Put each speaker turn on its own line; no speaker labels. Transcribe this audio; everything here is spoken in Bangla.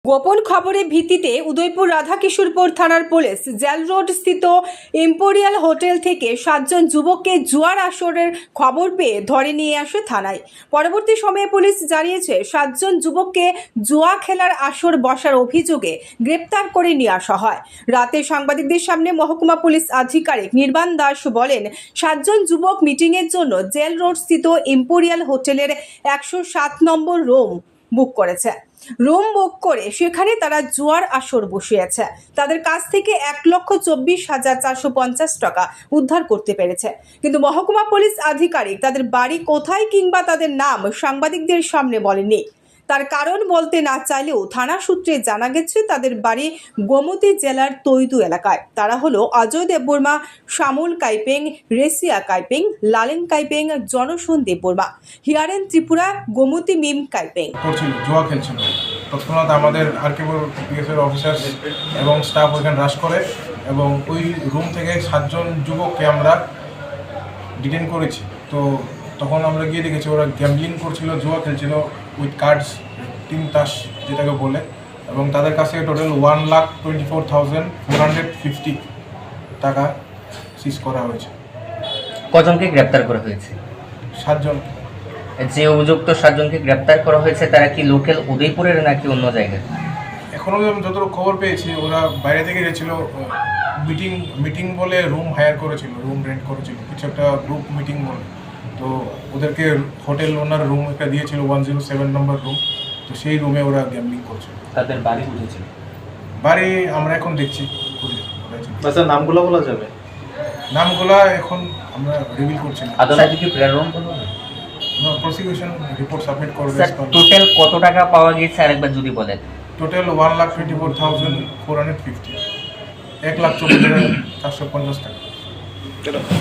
গোপন খবরের ভিত্তিতে উদয়পুর রাধাকিশোরপুর থানার পুলিশ জেল রোড স্থিত ইম্পেরিয়াল হোটেল থেকে 7 জন যুবককে জুয়ার আসরের খবর পেয়ে ধরে নিয়ে আসে থানায়। পরবর্তী সময়ে পুলিশ জানিয়েছে 7 জন যুবককে জুয়া খেলার আসর বসার অভিযোগে গ্রেপ্তার করে নিয়ে আসা হয়। রাতে সাংবাদিকদের সামনে মহকুমা পুলিশ আধিকারিক নির্বাণ দাস বলেন, 7 জন যুবক মিটিংয়ের জন্য জেল রোড স্থিত ইম্পেরিয়াল হোটেলের 107 নম্বর রুম বুক করেছে। রুম বুক করে সেখানে তারা জুয়ার আসর বসিয়েছে। তাদের কাছ থেকে 1,24,450 টাকা উদ্ধার করতে পেরেছে, কিন্তু মহকুমা পুলিশ আধিকারিক তাদের বাড়ি কোথায় কিংবা তাদের নাম সাংবাদিকদের সামনে বলেননি। তার কারণ বলতে না চাইলেও থানা সূত্রে জানা গেছে তাদের বাড়ি গোমতী জেলার তৈদু এলাকায়। তারা হলো অজয় দেববর্মা, শ্যামল কাইপেং, রেসিয়া কাইপেং, লালেন কাইপেং, জনসন্দীপ বর্মা, হিয়ারেন ত্রিপুরা, গোমতী মিম কাইপেং।
করছিল, জুয়া খেলছিল। তৎক্ষণাৎ আমাদের আরকেপুর পিএসের অফিসার এবং স্টাফ ওইখানে রাশ করে এবং ওই রুম থেকে 7 জন যুবককে আমরা ডিটেন করেছি। তো তখন আমরা গিয়ে দেখেছি ওরা গ্যাম্বলিং করছিল, জুয়া খেলছিল উইথ কার্ডস, টিম তাস যেটাকে বলে, এবং তাদের কাছে টোটাল 1,24,450 টাকা সিজ করা হয়েছে।
কজনকে গ্রেপ্তার করা হয়েছে?
7 জন।
যে অভিযুক্ত 7 জনকে গ্রেপ্তার করা হয়েছে তারা কি লোকাল উদয়পুরের নাকি অন্য জায়গায়?
এখনও আমি যতটুকু খবর পেয়েছি ওরা বাইরে থেকে গেছিল, মিটিং বলে রুম হায়ার করেছিল, রুম রেন্ট করেছিল, কিছু একটা গ্রুপ মিটিং বলে। তো ওদেরকে হোটেল ওনার রুম একটা দিয়েছিল 107 নম্বর রুম, তো সেই রুমে ওরা গ্যাম্বলিং করছিল।
তাদের বাড়ি বুঝেছিল?
বাড়ি আমরা এখন দেখছি,
আচ্ছা, নামগুলো বলা যাবে?
নামগুলা এখন আমরা রিভিল করছি না।
আদালতে কি প্রেরণ করবে?
প্রসিকিউশন রিপোর্ট সাবমিট করবে।
টোটাল কত টাকা পাওয়া গেছে আরেকবার যদি বলেন?
টোটাল 1,24,450, 1,24,450 টাকা।